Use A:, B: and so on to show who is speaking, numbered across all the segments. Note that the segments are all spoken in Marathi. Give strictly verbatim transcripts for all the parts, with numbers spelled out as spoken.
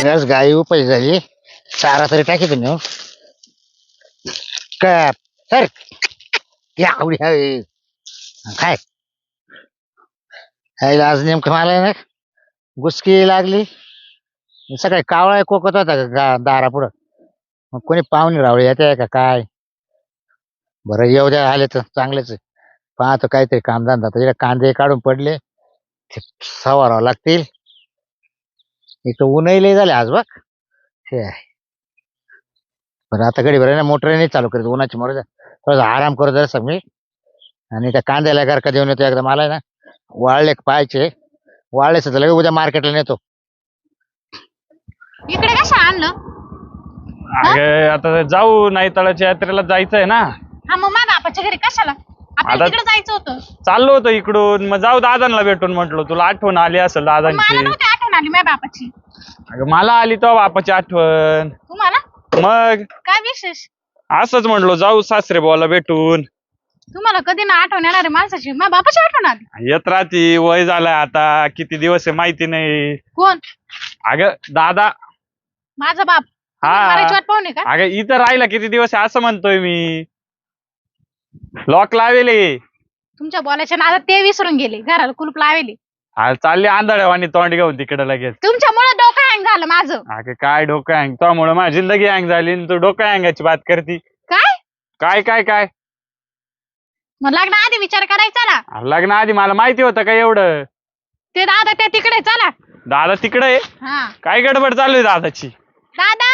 A: आज गाई उपाय झाली चारा तरी टाकी तुम्ही हो काय सर या आवडी हवी काय यायला आज नेमकं मला ना गुसकी लागली सकाळी कावळा कोकत होता गा- दारापुढं मग कोणी पाहुणे रावळे येते का काय बरं येऊ द्या आले तर चांगलेच आहे. पाहतो काहीतरी कामधंदा तर इकडे कांदे काढून पडले ते सवारावं लागतील इथं ऊनही लय झाले आज बघ हे आहे. बरं आता गडी बरं ना मोटर नाही चालू करीत उन्हाची मोटर थोडा आराम करू जरा मी आणि त्या कांद्याला घर का देऊन येतो एकदा मला ना वाळले पाहायचे वाळलेच तर लगेच उद्या मार्केटला नेतो.
B: इकडे कशा आणलं?
C: अगे आता जाऊ नाही तळाच्या यात्रेला जायचंय ना.
B: हा मग माझ्या बापाच्या घरी कशाला आपल्याला
C: आता-
B: तिकडे जायचं होतं.
C: चाललो होतो इकडून मग जाऊ दादांना भेटून म्हटलो तुला आठवण आली असेल
B: मला
C: दादांची.
B: नव्हती आठवण आली माझ्या बापाची.
C: अगं मला आली तो बापाची आठवण.
B: तुम्हाला
C: मग
B: काय विशेष?
C: असंच म्हटलो जाऊ सासरे बोला भेटून.
B: तुम्हाला कधी ना आठवण येणार आहे माणसाची? माझ्या बापाची आठवण आली.
C: येत राहती वय झालंय आता किती दिवस आहे माहिती नाही.
B: कोण?
C: अगं दादा.
B: माझा बाप?
C: हा.
B: मारायची वाट पाहुणे का?
C: अगं इथं राहिला किती दिवस आहे असं म्हणतोय मी. लॉक लावेले.
B: तुमच्या बोलायच्या नादात ते विसरून गेले. घराला कुलूप लावेले.
C: हा चालली आंधळ्यावानी तोंड घेऊन तिकडे लगेच.
B: तुमच्यामुळे डोकं हँग झालं माझं.
C: अगं काय डोकं हँग त्यामुळे माझी जिंदगी हँग झाली आणि तू डोकं हँगाची बात करती.
B: काय?
C: काय काय काय
B: मग लग्न आधी विचार करायचा ना.
C: अरे लग्न आधी मला माहिती होतं का एवढं.
B: ते दादा त्या तिकडे चला.
C: दादा तिकडे आहे.
B: हा
C: काय गडबड चालू आहे दादाची.
B: दादा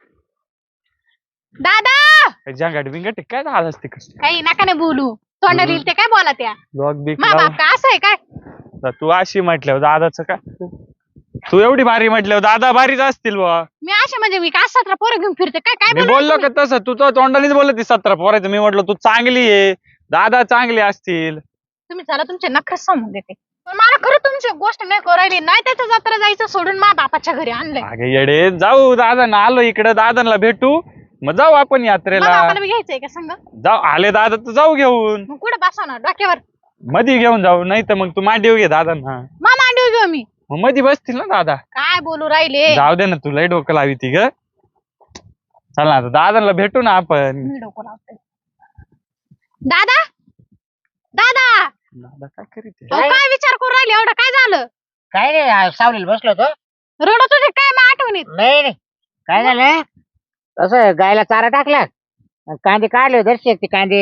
B: दादा
C: जंगाट बिंगट आहे काय दादाच तिकडे.
B: काही नका नाही बोलू. तोंडाला येईल ते काय बोला त्या.
C: लॉक बिक
B: मा बाप का असं आहे काय?
C: लाव. तू अशी म्हटल्यावर दादाचं काय. तू एवढी भारी म्हटल्यावर दादा भारीच असतील बुवा.
B: मी असे म्हणजे मी काय सतरा पोरं घेऊन फिरते काय काय
C: मी
B: बोलू
C: बोललो
B: तुम्ही?
C: का तसं तू तो तोंडानेच बोलत ती सतरा पोरायचं. मी म्हटलं तू चांगली आहे दादा चांगले असतील.
B: तुम्ही चला तुमचे नखरे सांगून देते. पण मला खरं तुमची गोष्ट नाही करायली. नाही त्याच्या जत्रा जायचं सोडून मा बापाच्या घरी आणलंय.
C: अगे येडे जाऊ दादा आलो इकडे दादांना भेटू मग जाऊ आपण
B: मला
C: यात्रेला.
B: बापाला बी घ्यायचंय का सांग?
C: जाऊ आले दादा तर जाऊ घेऊन.
B: मग कुठं बसवणार डोक्यावर?
C: मधी घेऊन जाऊ नाही तर मग तू मांडीव घे दादांना.
B: मा मांडीव घेऊ मी.
C: मग मध्ये बसतील ना दादा.
B: काय बोलू राहिले?
C: जाऊ दे ना तुलाही डोकं लावी ती ग. चल ना आता दादांना भेटू ना आपण.
B: मी डोकं लावते. दादा दादा
C: दादा काय करीत
B: अहो, काय विचार करू राहिले एवढं? काय झालं?
A: काय नाही सावलीला बसलो होतो.
B: रडत होते काय मग आठवणीत?
A: नाही नाही काय झालं तसं गायला चारा टाकला आणि कांदे काढले दर्शक ते कांदे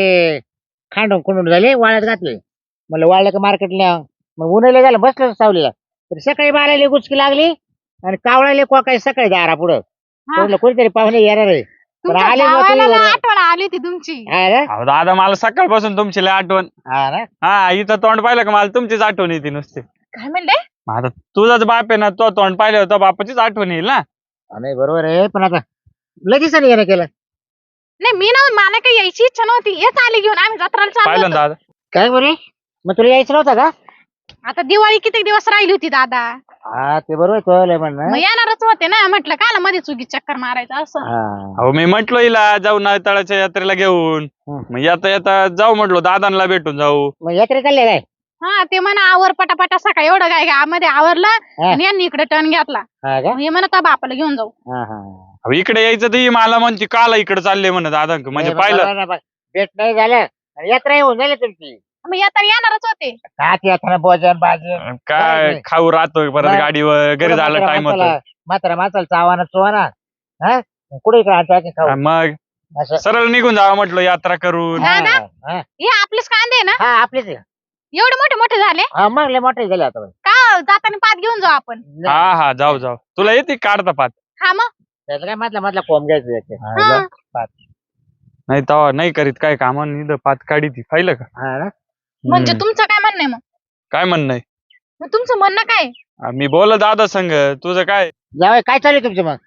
A: खांडून खुंडून झाले वाळ्यात घातले म्हणलं वाळलं का मार्केटला मग उन्हाळ्या झालं बसलो सावलीला तर सकाळी बारायला गुचकी लागली आणि कावळाले कोकाय सकाळी दारा पुढं
B: हा.
A: म्हटलं कोणीतरी पाहुणे येणार आहे पण
B: तुमच्या
A: आले मग
B: भावाला
A: तुम्ही
B: ना
A: बरं.
B: आठवण आली होती तुमची.
A: हा ना?
C: अहो दादा मला सकाळपासून तुमची लय आठवण.
A: हा ना
C: हा इथं तोंड पाहिलं का मला तुमचीच आठवण येते नुसते.
B: काय म्हणले?
C: मग आता तुझाच बाप आहे ना तो तोंड पाहिलं होतं बापाचीच आठवण येईल ना.
A: हा, नाही बरोबर आहे पण आता लगेच नाही येणं केलं
B: नाही मी ना मला काही यायची इच्छा नव्हती. येत आली घेऊन आम्ही जत्राला चाललो
C: पाहिलं ना
B: होतो.
C: दादा.
A: काय बरे मग तुला यायचं नव्हतं का?
B: आता दिवाळी किती दिवस राहिली होती दादा.
A: हा ते बरोबर कळलंय म्हणणं
B: मग येणारच होते ना. म्हटलं काला मध्ये चुकी चक्कर मारायचं असं.
A: हा
C: अहो मी म्हटलो हिला जाऊ ना तळाच्या यात्रेला घेऊन.
A: हं.
C: मग येता येता जाऊ म्हटलो दादांना भेटून जाऊ.
A: मग यात्रे चालले काय?
B: हा ते म्हणा आवर पटापटा सकाळी एवढं काय मध्ये आवरलं
A: हा.
B: आणि यांनी इकडे टर्न घेतला.
A: हा का?
B: हे म्हणत बापाला घेऊन जाऊ.
A: हा हा
C: अहो इकडे यायचं तर ही मला म्हणते काला इकडे चालले म्हणत दादा म्हणजे पाहिलं.
A: भेट नाही झालं आणि यात्रा येऊन झाली तुमची
B: मग येता येणारच होते.
A: का ती यात्रा भोजन भाजन
C: काय
A: नाही.
C: खाऊ राहतोय परत
A: नाही.
C: गाडीवर घरी झालं टाइम होतो.
A: म्हातारा माणसाला चावाना चोवाना हा कुठे इकडे आणतो की खाऊ
C: मग
A: असं
C: सरळ निघून जावं म्हटलं यात्रा करून.
B: हा.
A: हा हा.
B: हे आपलेच कांदे आहे ना?
A: हा आपलेच आहे.
B: एवढे मोठे मोठे झाले
A: हा मग लय मोठे झाले आता
B: का? जाताना पात घेऊन जाऊ आपण.
C: हा हा जाऊ जाऊ तुला येते काढता पात.
B: हा मग
A: त्याचं काय म्हटलं म्हटलं कोंब घ्यायचं याचे.
B: हा.
C: नाही तवा नाही करीत काय काम पात काढी ती पाहिलं का.
A: हा ना
B: म्हणजे
C: हम्म.
B: तुमचं काय म्हणणं आहे मग?
C: काय म्हणणं आहे.
B: मग तुमचं म्हणणं काय?
C: आ, मी बोल दादा संग तुझं काय
A: जावई काय चालू आहे तुमचं मग?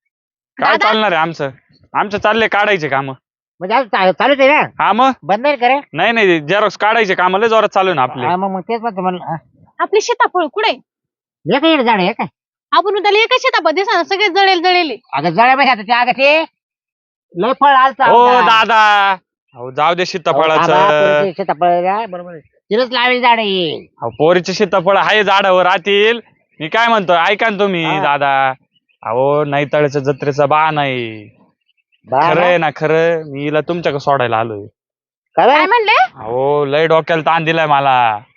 C: काय
B: दादा?
C: चालणार आहे आमचं. आमचं चालले काढायचे काम.
A: म्हणजे आज चा- चालूच आहे ना
C: हा मग
A: बंद नाही करे
C: नाही नाही जेरॉक्स काढायचे काम लय जोरात चालू आहे ना आपले.
A: हा मग मग तेच म्हणतो म्हणलं हा.
B: आपली सीताफळ कुठे?
A: हे काय झाड आहे काय
B: आपण उद्या एकच सीताफळ दिसा सगळे जळेल जळेल.
A: अगं जळ्या पाहिजे आता ते अगं ते लय फळ आलता
C: हो दादा अहो जाऊ दे सीताफळाचं.
A: सीताफळ बरोबर आहे. तिथंच लावेल झाड आहे.
C: अहो पोरीचे सीताफळ आहे झाडावर राहतील. मी काय म्हणतो ऐका ना तुम्ही
A: हा.
C: दादा अहो नाही तळ्याच्या जत्रेचा बा नाही खरं आहे ना खरं मी हिला तुमच्याकडे सोडायला आलोय
B: काय म्हणले
C: अहो लय डोक्याला ताण दिलाय मला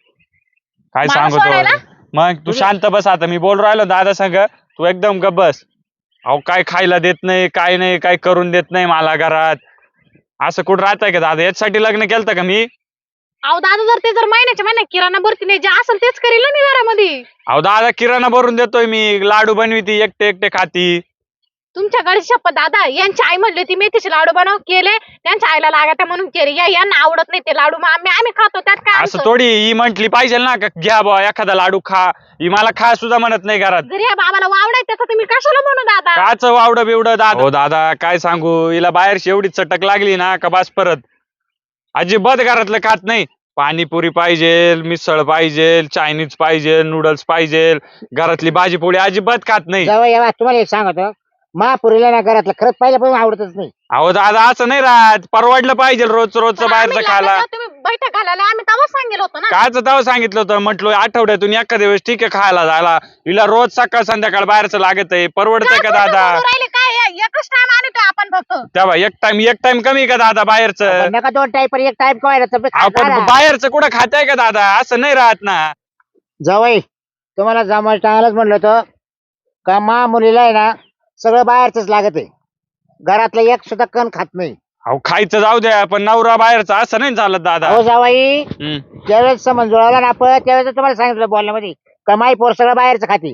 C: काय
B: मला सोडायला?
C: सांगतो मग तू शांत बस आता मी बोल राहिलो दादा संग तू एकदम गप बस अहो काय खायला देत नाही काय नाही काय करून देत नाही मला घरात असं कुठं राहतंय का दादा याच्यासाठी लग्न केलं का मी
B: अहो दादा जर ते जर महिन्याच्या महिन्या किराणा भरती नाही जे असेल तेच करील ना मी घरामध्ये
C: अहो दादा किराणा भरून देतोय मी लाडू बनविती एकटे एकटे खाती
B: तुमच्या गळीची शपथ दादा यांची आई म्हणली ती मेथीचे लाडू बनव केले त्यांच्या आईला लागत म्हणून केले या यांना आवडत नाही ते लाडू मग आम्ही आम्ही खातो त्यात काय
C: असं
B: आमचं?
C: थोडी ही म्हंटली पाहिजे ना का घ्या बा एखादा लाडू खा ही मला खा सुद्धा म्हणत नाही घरात
B: जर या बाबाला वावडाय त्याचं तुम्ही कशाला म्हणू दादा
C: काच वावड बिवड दादा हो दादा काय सांगू हिला बाहेरची एवढी चटक लागली ना का बास परत अजिबात घरातलं खात नाही पाणीपुरी पाहिजे मिसळ पाहिजे चायनीज पाहिजे नूडल्स पाहिजे घरातली भाजी पोळी अजिबात खात नाही
A: जावई येवा तुम्हाला एक सांगतो महापुरीला ना घरातलं खरंच पहिल्यापासून आवडतच नाही
C: अहो दादा असं नाही राहत परवडलं पाहिजे रोज रोजचं
B: पण
C: बाहेरचं
B: आम्ही
C: खायला
B: लग्नाला तुम्ही बैठक घालायला आम्ही तेव्हा सांगेल होतो ना
C: काच तेव्हा सांगितलं होतं म्हटलं आठवड्यातून एखाद्या वेळेस ठीक आहे खायला जायला हिला रोज सकाळ संध्याकाळ बाहेरचं लागत आहे परवडतंय का
B: काय खोटं
C: दादा
B: बोलू राहिले काय या- एकच टाइम आणतो आपण फक्त
C: तेव्हा एक टाइम एक टाइम कमी का दादा बाहेरचं
A: पण नका दोन टाईप एक टाईप कवायला
C: आपण बाहेरचं कुठं खाताय का दादा असं नाही राहत ना
A: जावई तुम्हाला जमायला टाळायलाच म्हणलं होतं का मा मुलीला आहे ना सगळं बाहेरच लागत आहे घरातलं एक सुद्धा कण खात नाही
C: अहो खायचं जाऊ द्या पण नवरा बाहेरचा असं नाही चालत दादा
A: हो जावाई
C: हम्म.
A: ज्यावेळेस समज जुळवला ना आपण त्यावेळेस तुम्हाला सांगितलं बोलण्यामध्ये कमाई पोर सगळं बाहेरचं खाते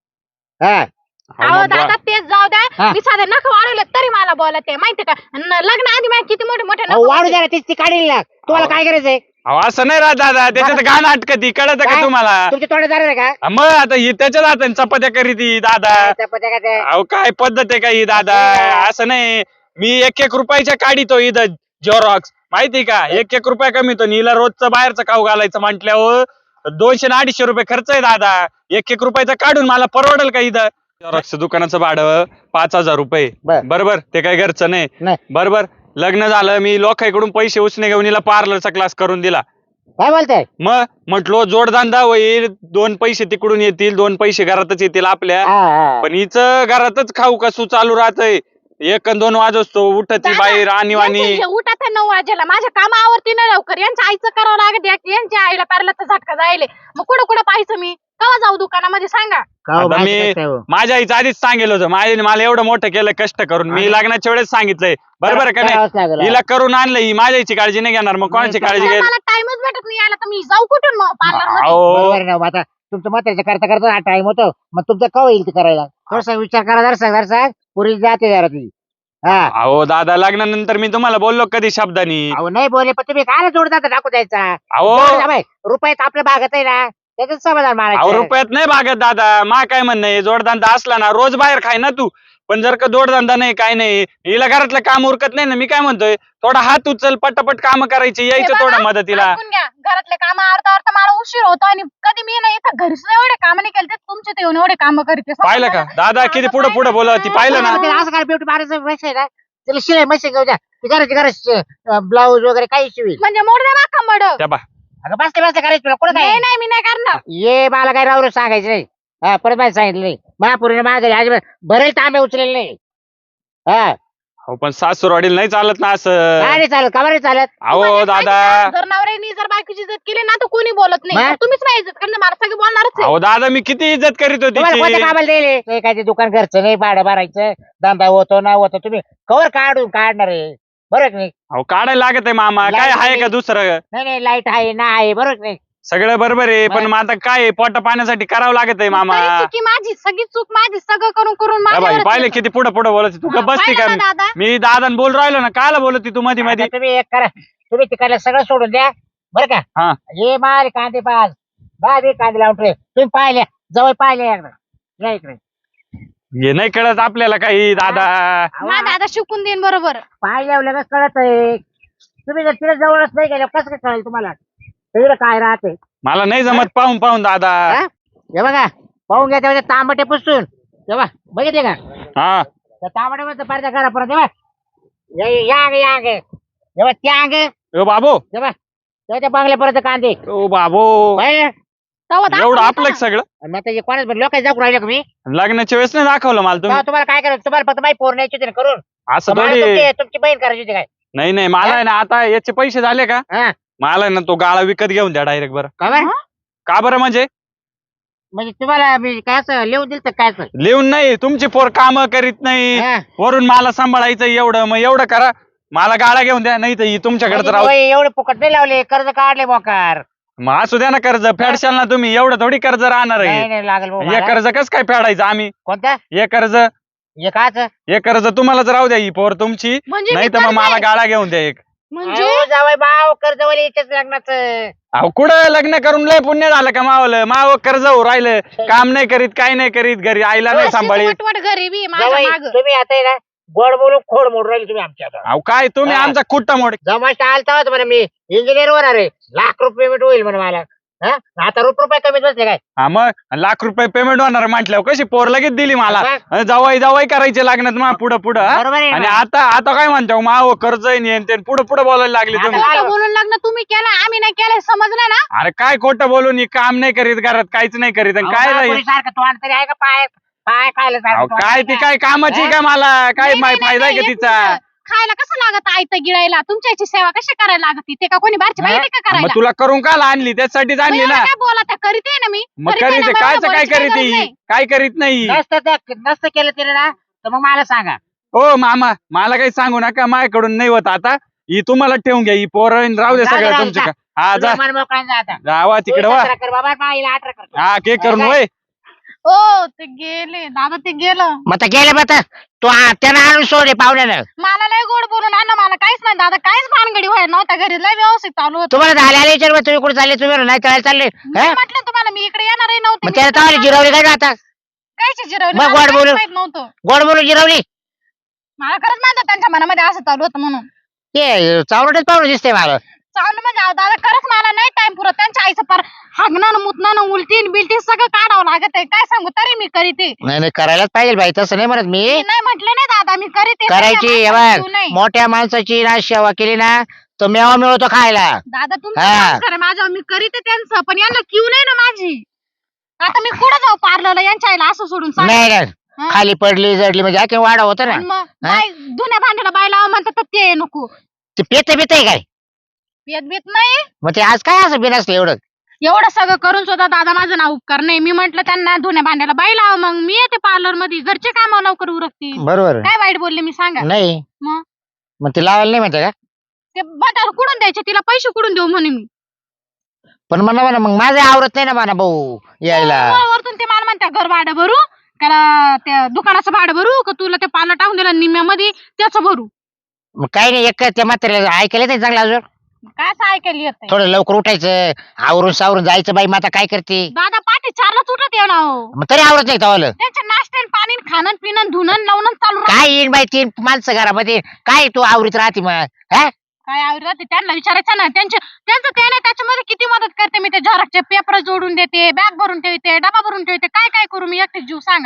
A: हा
C: अहो,
B: अहो
C: मग बा-
B: दादा तेच जाऊ द्या
A: हा.
B: मी साधे नख वाढवले तरी मला बोलत आहे माहिती का न- लग्न आधी माझे किती मोठे मोठे नख
A: अहो, वाढू
B: होते.
A: द्या ना तीच ती काढील ना तुम्हाला काय करायचंय
C: अहो असं नाही राहत दादा त्याच्यात घाण अटकती कळत का
A: काय?
C: तुम्हाला
A: तुमच्या तोंडात जाणार आहे का
C: मग आता ही त्याच्याच हाताने चपात्या करीती दादा
A: चपात्या का ते?
C: अहो काय पद्धत आहे का ही दादा असं नाही मी एक एक रुपयाच्या काढितो इथं झेरॉक्स माहिती का एक एक रुपया कमीतो हिला रोजचं बाहेरचं खाऊ घालायचं म्हटल्यावर दोनशे ना अडीचशे रुपये खर्च आहे दादा एक एक रुपयाचा काढून मला परवडेल का इथं झेरॉक्स दुकानाचं भाडं पाच हजार रुपये
A: बर.
C: बरोबर ते काही घरचं नाही
A: नाही
C: बरोबर लग्न झालं मी लोकांकडून पैसे उसने घेऊन हिला पार्लरचा क्लास करून दिला
A: काय बोलताय
C: मग म्हटलो जोडधंदा होईल दोन पैसे तिकडून येतील दोन पैसे घरातच येतील आपल्या
A: हा, हा.
C: पण हिचं घरातच खाऊ कसू चालू राहतंय एक अन दोन वाजतो उठती
B: दादा,
C: बाहेर आणि वाणी
B: यांचे हे उठत आहे नऊ वाजेला माझ्या कामावरती नाही लवकर यांच्या आईचं करावं लागत या- यांच्या आईला पार्लरचा झटका जायले मग कुठं कुठं पाहायचं मी केव्हा जाऊ दुकानामध्ये सांगा
A: का हो,
C: आता
A: माहिती
C: मी
A: नसतंय हो.
C: माझ्या आईचं आधीच सांगितलं होतं माझ्याने मला एवढं मोठं केलं कष्ट करून मी लग्नाच्या वेळेस सांगितलंय बरोबर आहे का
A: करावंच
C: नाही
A: लागेल.
C: हिला करून आणलं ही माझ्या आईची काळजी नाही घेणार मग कोणाची
A: नाही,
C: काळजी
B: मला
C: घेईल
B: मला टाइमच भेटत नाही यायला तर मी जाऊ कुठून मग पार्लर मध्ये
C: अहो
A: बरोबर आहे ना मग आता तुमचं म्हाताऱ्याचं करता करता हा टाइम होतो मग तुमचं कवा येईल ते करायला थोडासा विचार करा जरा सांग जरा सांग पुरी जाते जरा ती हा
C: अहो दादा लग्नानंतर मी तुम्हाला बोललो कधी शब्दानी
A: अहो नाही बोले पण तुम्ही काय जोडदार टाकू द्यायचा
C: अहो
A: रुपयात आपल्या भागात आहे ना त्याच्यात समाधान
C: अहो
A: मारायचं
C: रुपयात नाही भागत दादा मा काय म्हणणं आहे जोडधंदा असला ना रोज बाहेर खाय ना तू पण जर का जोडधंदा नाही काय नाही हिला घरातलं काम उरकत नाही ना मी काय म्हणतोय थोडा हात उचल पटापट काम करायची
B: हे
C: यायचं
B: बघा,
C: थोडं मदतीला
B: ऐकून घ्या घरातले काम आवडता आवडता मला उशीर होतो आणि कधी मी नाही इथं घरीच एवढे काम नाही केले तुमचे ते येऊन एवढे काम करते
C: पाहिलं का दादा किती पुढे पुढे बोलत ती पाहिलं ना
A: असं काय ब्युटी पार्लरचं पैसे आहे ना त्याला शिलाई मशीन घेऊ द्या ती करायची करायची ब्लाऊज वगैरे काही शिवी
B: म्हणजे मोड द्या बाका मड
C: त्या बा
A: अगं बसते बसते करायचं तुला कुठं
B: नाही
A: काय
B: नाही मी नाही करणार
A: ये मला काय राहू सांगायचं नाही हा परत मला सांगितलं नाही महापुरीने माझ्या घरी अजिबात बरेच तांबे उचलेले नाही हा
C: हो पण सासूरवाडीला नाही चालत ना असं
A: काय नाही चालत का बरं नाही चालत
C: अहो
B: तुम्हाला
C: दादा
B: माहिती का, जर नवऱ्याने जर बायकोची इज्जत केली ना तर कोणी बोलत नाही
A: मग?
B: तर तुम्हीच नाही इज्जत करणार मला सगळे बोलणारच आहे
C: अहो दादा मी किती इज्जत करीत होती
A: तुम्हाला कोणत्या
C: तिची.
A: कामाला दिले नाही काय ते दुकान घरचं नाही भाडं भरायचं धंदा होतो ना होतो तुम्ही कवर काढून काढणार आहे बरोबर की नाही
C: अहो काढायला लागत आहे मामा काय
A: लागत
C: आहे
A: नाही.
C: का दुसरं
A: नाही नाही लाईट आहे ना आहे बरोबर की नाही
C: सगळं बरोबर आहे पण
A: मग?
C: मग आता काय पोटा पाण्यासाठी करावं लागत आहे मामा
B: तरी चुकी माझी सगळी चूक माझी सगळं करून करून
C: या बाई
B: माझ्यावरच
C: पाहिले
B: येतं.
C: किती पुढे पुढे बोलत तू का
B: हा,
C: बसती
B: पाहिलं
C: का
B: ना दादा
C: मी दादा बोल राहिलो ना कायला बोलत तू मध्ये मध्ये
A: आता तुम्ही एक करा तुम्ही तिकडलं सगळं सोडून द्या बरं
C: हा.
A: का हे मारे कांदे पाच दहा बी कांदे लावून ठेव तुम्ही पाहिले जवळ पाहिले एकदा या इकडे
C: हे नाही कळत आपल्याला काही दादा
B: ना दादा शिकून देईन बरोबर
A: पाहिल्यावर लगेच कळत आहे तुम्ही जर तिथे जवळच नाही गेलं कसं काय कळेल तुम्हाला तिकडे काय राहते
C: मला नाही जमत पाहून पाहून दादा
A: हा? हे बघा पाहून घ्या तेव्हा तांबटे पुसून तेव्हा बघितले का
C: हा
A: त्या तांबटे मध्ये पाहिजे करा परत तेव्हा या- या अंग या अंग तेव्हा त्या अंग
C: ओ बाबो
A: तेव्हा तेव्हा त्या बांगल्यापर्यंत कांदे
C: ओ बाबो
A: पाहिलं?
B: तेव्हा दाखवलं
C: एवढं
B: होतं
C: आपलं
B: ना.
C: सगळं
A: मग आता कोणाच लोकांनी दाखवून राहिले का मी
C: लग्नाच्या वेळेस नाही दाखवलं मला तुम्ही
A: तेव्हा तुम्हाला काय करायचं तुम्हाला फक्त माहिती पोर न्यायची होती ना करून
C: असं
A: तुम्हाला
C: थोडी
A: तुमची तुमची बहीण करायची होती काय
C: नाही नाही मला आहे ना आता याचे पैसे झाले का
A: हा
C: मला आहे ना तो गाळा विकत घेऊन द्या डायरेक्ट बरं
A: का बरं?
B: हा?
C: का बरं म्हणजे
A: म्हणजे तुम्हाला मी काय असं लिहून दिलं तर काय असं?
C: लिहून नाही तुमची पोर काम करीत नाही
A: हा.
C: वरून मला सांभाळायचं एवढं मग एवढं करा मला गाळा घेऊन द्या नाही तर ही तुमच्याकडे
A: म्हणजे
C: राहू
A: वय एवढे फुकट नाही लावले कर्ज काढले मोकार
C: मग असू द्या ना कर्ज फेडशाल ना तुम्ही एवढं थोडी कर्ज राहणार
A: नाही
C: आहे
A: नाही लागेल भाऊ
C: हे
A: मला.
C: कर्ज कस काय फेडायचं आम्ही
A: कोणता
C: हे कर्ज
A: हे काच
C: हे कर्ज तुम्हालाच राहू द्या ही पोर तुमची
B: म्हणजे
C: नाही
B: मी
C: तर मग
B: कर्ज
C: मला
B: आहे.
C: गाळा घेऊन द्या एक
B: म्हणजे
A: जावय भाव कर्जवाली इथेच लग्नाचं
C: अहो कुठं लग्न करून लय पुण्य झालं का मावलं माव कर्ज हो राहिलं काम नाही करीत काय नाही करीत घरी आईला नाही
B: अशीच
C: सांभाळीत
B: वटवट गरिबी माझ्या
A: जावई
B: माग
A: तुम्ही आता आहे ना गोड बोलून खोड मोड राहिले तुम्ही आमच्या आता
C: अहो काय तुम्ही
A: हा.
C: आमचा कुट्टा मोड
A: जमाष्ट आलता होता म्हणे मी इंजिनियर होणार आहे लाख रुपये पेमेंट होईल म्हणे मला हा आता रुप रुपये कमीत बसले काय
C: हा मग लाख रुपये पेमेंट होणार म्हटल्यावर कशी पोर लगेच दिली मला
A: मग?
C: जवाई जवाई करायचे लागणार मा पुढं पुढं हा?
A: बरोबर आहे
C: आणि
A: ना?
C: आता आता काय म्हणतो माव कर्ज आहे पुढं पुढं बोलायला लागले
A: आता
C: तुम्ही
A: काय?
B: खोटं बोलून लग्न तुम्ही केलं आम्ही नाही केलं समजलं ना
C: अरे काय खोटं बोलून ही काम नाही करीत घरात काहीच नाही करीत आणि काय
A: अहो,
C: नाही
A: बापुरी सारखं तोंड तरी आहे का पाय पाय खायला
C: अहो,
A: सारखं तोंड
C: काय
A: आहे
C: ती
A: का?
C: काय कामाची का मला काय
B: नाही,
C: माय
B: नाही,
C: फायदा आहे
B: नाही,
C: का
B: एक
C: तिचा
B: मिनिटं. खायला कसं लागत आयत गिळायला तुमच्या याची सेवा कशी करायला लागत ते का कोणी बाहेरची
A: हा?
B: माहिती का
C: मग
B: करायला
C: तुला करून काल आणली त्यासाठीच
B: मग
C: आणली
B: एवढं
C: ना
B: काय बोला त्या करीत आहे ना मी
C: मग
B: करीत आहे
C: करीत
B: ना, मला
C: कायच काय
B: बोलायची काही
C: करीत
B: गरज
C: ही?
B: नाही.
C: काय करीत नाही
A: नसतं त्या- नसतं केलं तिने ना तर मग मला सांगा
C: हो मामा मला काही सांगू नका माझ्याकडून नाही होत आता ही तुम्हाला ठेवून घ्या ही पोरं राहू दे
A: जा, जा,
C: सगळं
A: जा.
C: तुमच्या हा जा
A: तुला मन मोकळा जा आता
C: जावा तिकडे
A: तू
C: वा
A: सतरा कर बाबा माईला अठरा कर
C: हा के करून
A: काय?
C: वय
B: ओ ते गेले दादा ते गेलं
A: मग आता गेले मग तू त्यानं आणून सोडे पाहुण्यानं
B: मला लय गोड बोलून आणलं मला काहीच नाही दादा काहीच भानगडी व्हायला नव्हता घरी लय व्यवस्थित चालू होतं
A: तुम्हाला झाले आले विचार तुम्ही कुठे चालले तुम्ही म्हणून नाही चालायला चालले
B: मी
A: हा?
B: म्हटलं तुम्हाला मी इकडे येणारही नव्हते
A: मग
B: मी
A: त्याला
B: इकडे
A: चावली जिरवली काय ना आता
B: कायची जिरवली
A: मग
B: मला
A: गोड
B: काहीच
A: बोलून.
B: माहित नव्हतं
A: गोड बोलून जिरवली
B: मला खरंच माहित होतं त्यांच्या मनामध्ये असं चालू होतं म्हणून
A: ते चावडच पाहुणे दिसते मला
B: चालू म्हणजे अहो दादा खरंच मला नाही टाइम पुरत त्यांच्या आईचं पार हागणं मुतणं उलटीन बिलटीन सगळं काढावं लागत आहे काय सांगू तरी मी करीते
A: नाही नाही करायलाच पाहिजे बाई तसं नाही म्हणत मी
B: मी नाही म्हटले नाही दादा मी करीते
A: करायची हे
B: सगळ्या माणसाला
A: बघ
B: जीव नाही.
A: मोठ्या माणसाची ना सेवा केली ना तर मेवा मिळतो खायला
B: दादा तुमचं
A: हा.
B: संस्कार आहे माझ्यावर मी करीते त्यांचं पण यांना क्यू नाही ना माझी आता मी कुठं जाऊ पार्लरला यांच्या आईला असं सोडून सांग
A: नाही नाही
B: हा?
A: खाली पडली जडली म्हणजे आणखी वाढ होतं ना
B: आणि मग बाय धुण्या भांड्याला बाय लावा म्हणतात तर ते नको
A: ते पेत बित आहे काय
B: येत बीत नाही
A: मग ते आज काय असं बिनसलं एवढं
B: एवढं सगळं करून सुद्धा दादा माझं नाव उपकार नाही मी म्हंटल त्यांना धुण्या भांड्याला बाई लावा मग मी येते पार्लर मध्ये घरचे काम लवकर उरकतील
A: बरोबर
B: काय वाईट बोलले मी सांगा
A: नाही
B: मग
A: मग ते लावायला नाही म्हणते का
B: ते बटार कुठून द्यायचे तिला पैसे कुठून देऊ म्हणे मी
A: पण म्हणा म्हणा मग माझं आवरत नाही ना म्हणा भाऊ यायला
B: वर- वरतून ते मला म्हणते घर भाडं भरू त्याला त्या दुकानाचं भाडं भरू का तुला ते पार्लर टाकून दिलं निम्म्यामध्ये त्याचं भरू
A: मग काही नाही एक त्या म्हाताऱ्याला ऐकायला नाही चांगलं अजून
B: काय असं ऐकायला येत
A: थोडं लवकर उठायचं आवरून सावरून जायचं बाई माता काय करते
B: दादा पाठी चारलाच उठत येऊ ना हो.
A: मग तरी आवरत नाही तवालं
B: त्यांच्या नाश्त्यान पाणी खाणं पिणं धुणं लावणं चालू राहतं.
A: काय येईन बाई तीन माणसं घरामध्ये काय तू आवरीत राहते मग हा
B: काय आवडत त्यांना विचारायचं ना त्यांच्या त्यांचं ते नाही त्याच्यामध्ये किती मदत करते मी ते झरकचे पेपर जोडून देते बॅग भरून ठेवते डबा भरून ठेवते काय काय करू मी एकटे जीव सांगा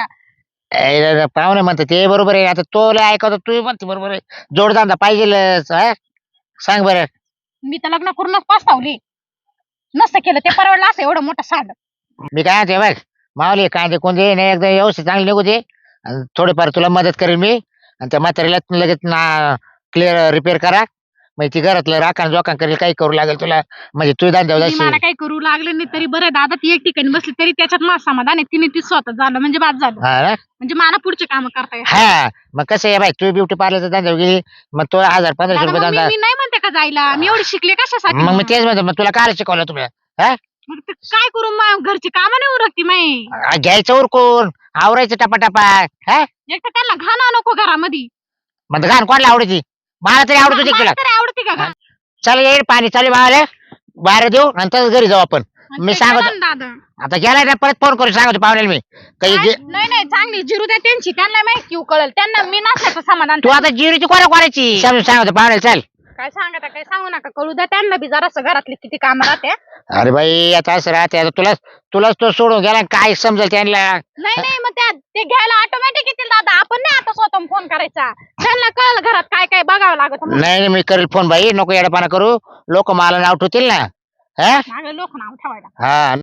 A: ए, पाहुणे म्हणते ते बरोबर आहे आता तो लय ऐकवतो तू म्हणते बरोबर आहे जोडधंदा पाहिजे सांग बरं
B: मी तर लग्न करूनच पस्तावली नसतं केलं ते परवडलं असं एवढं मोठं साड
A: मी काय म्हणते बघ मावली कांदे कोणते नाही एकदा व्यवस्थित चांगले निघू दे आणि थोडेफार तुला मदत करेन मी आणि त्या म्हातारीला लगेच ना क्लिअर रिपेअर करा म्हणजे ती घरातलं राखण जोखान करेल काही करू लागेल तुला म्हणजे तू दान देऊ
B: मला
A: जाशील
B: काही करू लागले नाही तरी बरं दादा ती एक ठिकाणी बसली तरी त्याच्यात माझं समाधान आहे तिने ती स्वतः झालं म्हणजे बाद झालं
A: हा ना
B: म्हणजे मला पुढचे काम करता येईल
A: हा मग कसं आहे बाई तू ब्युटी पार्लरचा धंदा गेली मग तो हजार पंधराशे
B: दादा,
A: रुपये
B: मग मी
A: धंदा
B: मी नाही म्हणते का जायला मी एवढी शिकले कशासाठी
A: मग मी तेच म्हणतो मग तुला काय शिकवलं तुम्ही हा
B: मग ते काय करू मग घरची कामं नाही उरकती माई
A: आ, घ्यायचं उरकून आवरायचं टपाटपा हा
B: एक तर त्यांना घाणा नको घरामध्ये
A: मग घाण कोणाला आवडती मला तरी आवडत होती
B: मला
A: तुला
B: तरी आवडते का घाण?
A: चल येईल पाणी चालू मला बाहेर देऊ नंतर घरी जाऊ आपण मी
B: ते
A: सांगतो
B: केलं ना दादा
A: आता गेलाय ना परत फोन करून सांगतो पाहुण्याला मी काही
B: काय?
A: जे-
B: नाही नाही चांगली जिरू द्या त्यांची त्यांना माहिती क्यू कळल त्यांना मी नसल्याचं समाधान
A: तू आता जिरीची कोणा कोणाची समजून सांगतो पाहुण्याला चल
B: काय सांगता काय सांगू नका कळू द्या त्यांना बी जरासं घरातली किती काम राहते
A: अरे बाई आता असं राहते आता तुला तुलाच तो सोडून गेला काय समजेल त्यांना
B: नाही नाही मग त्या ते घ्यायला ऑटोमॅटिक येतील दादा आपण नाही आता स्वतः फोन करायचा त्यांना कळलं घरात काय काय बघावं लागत
A: नाही नाही, मी करेल फोन बाई नको येडपाना करू लोक मला नाव ठेवतील ना हा
B: मागे लोक नाव ठेवायला
A: हा